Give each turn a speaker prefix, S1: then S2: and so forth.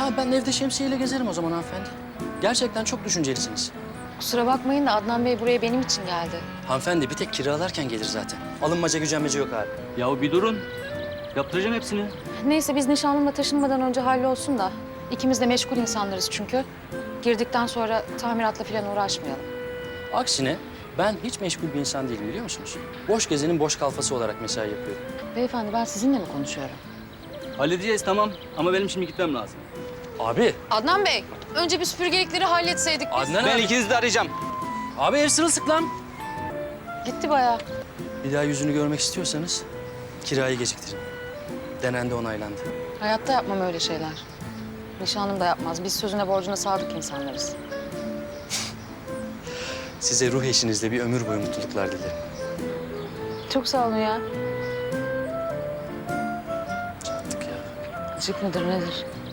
S1: Ha ben evde şemsiyeyle gezerim o zaman hanımefendi. Gerçekten çok düşüncelisiniz.
S2: Kusura bakmayın da Adnan Bey buraya benim için geldi.
S1: Hanımefendi bir tek kiralarken gelir zaten. Alınmaca gücenmece yok abi.
S3: Ya bir durun. Yaptıracağım hepsini.
S2: Neyse biz nişanlımla taşınmadan önce hallolsun da. İkimiz de meşgul insanlarız çünkü. Girdikten sonra tamiratla falan uğraşmayalım.
S1: Aksine ben hiç meşgul bir insan değilim biliyor musunuz? Boş gezenin boş kalfası olarak mesai yapıyorum.
S2: Beyefendi ben sizinle mi konuşuyorum?
S3: Halledeceğiz tamam ama benim şimdi gitmem lazım.
S1: Abi.
S2: Adnan Bey, önce bir süpürgelikleri halletseydik biz.
S1: Adnan
S3: Ben
S1: abi.
S3: ikinizi de arayacağım.
S1: Abi ev sırılsıklam.
S2: Gitti bayağı.
S1: Bir daha yüzünü görmek istiyorsanız kirayı geciktirin. Denendi onaylandı.
S2: Hayatta yapmam öyle şeyler. Nişanlım da yapmaz. Biz sözüne borcuna sadık insanlarız.
S1: Size ruh eşinizle bir ömür boyu mutluluklar dilerim.
S2: Çok sağ olun ya.
S1: Çattık ya.
S2: Gıcık mıdır nedir?